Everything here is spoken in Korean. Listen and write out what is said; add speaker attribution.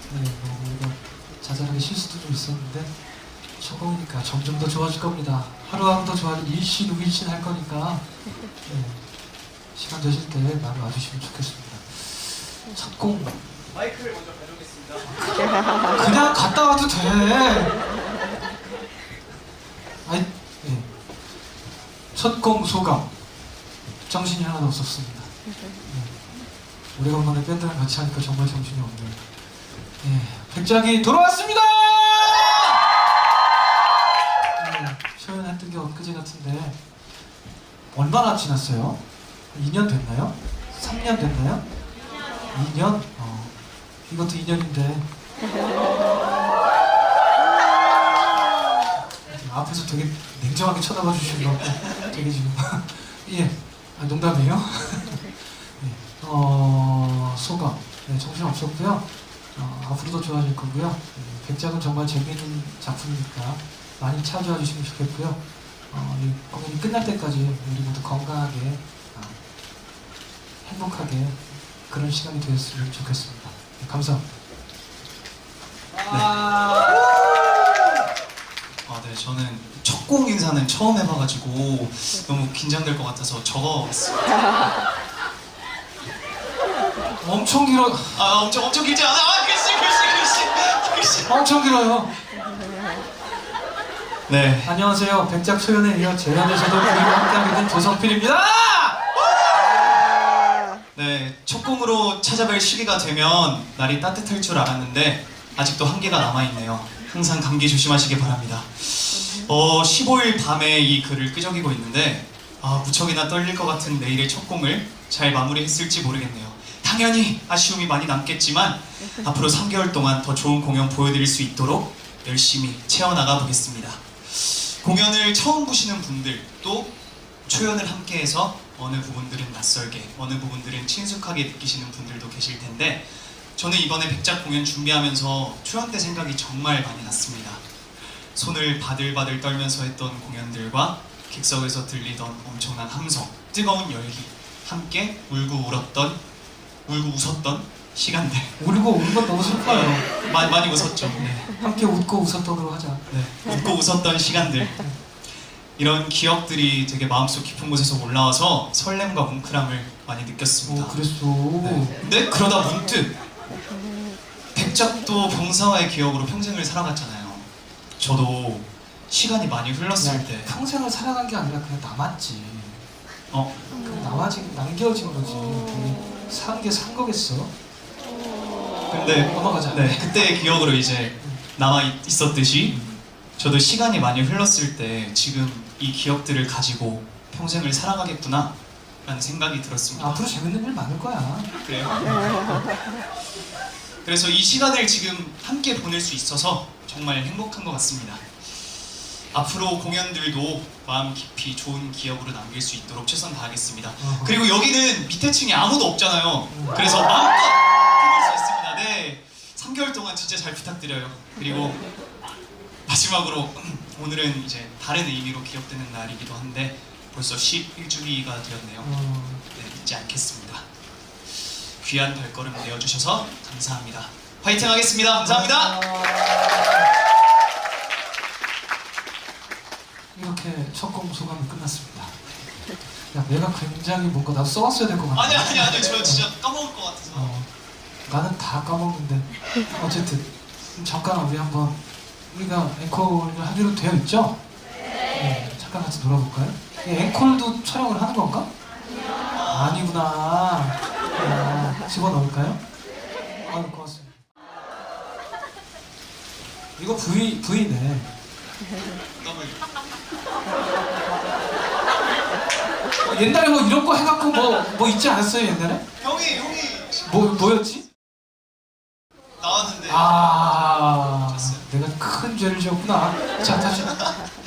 Speaker 1: 네, 우리가 자잘하게 실수도 좀 있었는데 초공이니까 점점 더 좋아질 겁니다. 하루하루 더 좋아질 일신우일신 할 거니까 네, 시간 되실 때 많이 와주시면 좋겠습니다. 첫 공
Speaker 2: 마이크를 먼저 가져오겠습니다.
Speaker 1: 그냥 갔다 와도 돼. 아니, 네. 첫 공 소감 정신이 하나도 없었습니다. 네. 오래간만에 밴드랑 같이 하니까 정말 정신이 없네요. 네, 백작이 돌아왔습니다. 네, 초연했던 게 엊그제 같은데 얼마나 지났어요? 2년 됐나요? 3년 됐나요? 2년? 이것도 2년인데 앞에서 되게 냉정하게 쳐다봐 주시는 것 같고 되게 지금 예, 농담이에요? 네, 소감 네, 정신 없었고요. 앞으로도 좋아질 거고요. 백작은 정말 재미있는 작품이니까 많이 찾아와 주시면 좋겠고요. 이 공연이 끝날 때까지 우리 모두 건강하게 행복하게 그런 시간이 되었으면 좋겠습니다. 네, 감사합니다.
Speaker 2: 네, 저는 첫 공 인사는 처음 해봐가지고 너무 긴장될 것 같아서 적어봤어요.
Speaker 1: 엄청 길어.
Speaker 2: 엄청 길지 않아? 글씨.
Speaker 1: 엄청 길어요.
Speaker 2: 네.
Speaker 1: 안녕하세요. 백작 소연에 이어 재연에서도 부인과 함께하게 된 조성필입니다.
Speaker 2: 네, 첫 공으로 찾아뵐 시기가 되면 날이 따뜻할 줄 알았는데 아직도 한계가 남아있네요. 항상 감기 조심하시기 바랍니다. 15일 밤에 이 글을 끄적이고 있는데 무척이나 떨릴 것 같은 내일의 첫 공을 잘 마무리했을지 모르겠네요. 당연히 아쉬움이 많이 남겠지만 앞으로 3개월 동안 더 좋은 공연 보여드릴 수 있도록 열심히 채워나가 보겠습니다. 공연을 처음 보시는 분들 또 초연을 함께해서 어느 부분들은 낯설게 어느 부분들은 친숙하게 느끼시는 분들도 계실 텐데 저는 이번에 백작 공연 준비하면서 초연 때 생각이 정말 많이 났습니다. 손을 바들바들 떨면서 했던 공연들과 객석에서 들리던 엄청난 함성, 뜨거운 열기, 함께 울고 웃었던 시간들.
Speaker 1: 울고 우는 건 너무 슬퍼요.
Speaker 2: 많이 웃었죠. 네.
Speaker 1: 함께 웃고 웃었던으로 하자.
Speaker 2: 네. 웃고 웃었던 시간들. 이런 기억들이 되게 마음속 깊은 곳에서 올라와서 설렘과 뭉클함을 많이 느꼈습니다.
Speaker 1: 그랬어.
Speaker 2: 네. 근데 그러다 문득 백작도 병사와의 기억으로 평생을 살아갔잖아요. 저도 시간이 많이 흘렀을 때
Speaker 1: 평생을 살아간 게 아니라 그냥 남았지. 그냥 남겨진 거지. 산 게 산 거겠어.
Speaker 2: 근데
Speaker 1: 넘어가자.
Speaker 2: 네, 그때의 기억으로 이제 남아 있었듯이 저도 시간이 많이 흘렀을 때 지금 이 기억들을 가지고 평생을 살아가겠구나 라는 생각이 들었습니다.
Speaker 1: 앞으로 재밌는 일 많을 거야.
Speaker 2: 그래요? 그래서 이 시간을 지금 함께 보낼 수 있어서 정말 행복한 것 같습니다. 앞으로 공연들도 마음 깊이 좋은 기억으로 남길 수 있도록 최선 다하겠습니다. 그리고 여기는 밑에 층에 아무도 없잖아요. 그래서 마음껏 해볼 수 있습니다. 네, 3개월 동안 진짜 잘 부탁드려요. 그리고 마지막으로 오늘은 이제 다른 의미로 기억되는 날이기도 한데 벌써 11주기가 되었네요. 네, 잊지 않겠습니다. 귀한 발걸음 내어주셔서 감사합니다. 화이팅 하겠습니다. 감사합니다.
Speaker 1: 이렇게 첫 공 소감이 끝났습니다. 야, 내가 굉장히 뭔가 나도 써왔어야 될 것 같아.
Speaker 2: 아니요. 저 진짜 까먹을 것 같아서.
Speaker 1: 나는 다 까먹는데. 어쨌든 잠깐 우리가 앵콜을 하기로 되어 있죠? 네. 잠깐 같이 놀아볼까요? 앵콜도 촬영을 하는 건가? 아니구나. 집어넣을까요? 고맙습니다. 이거 V네. 옛날에 뭐 이런 거 해갖고 뭐 있지 않았어요 옛날에?
Speaker 2: 형이
Speaker 1: 뭐였지?
Speaker 2: 나왔는데.
Speaker 1: 내가 큰 죄를 지었구나. 자 다시.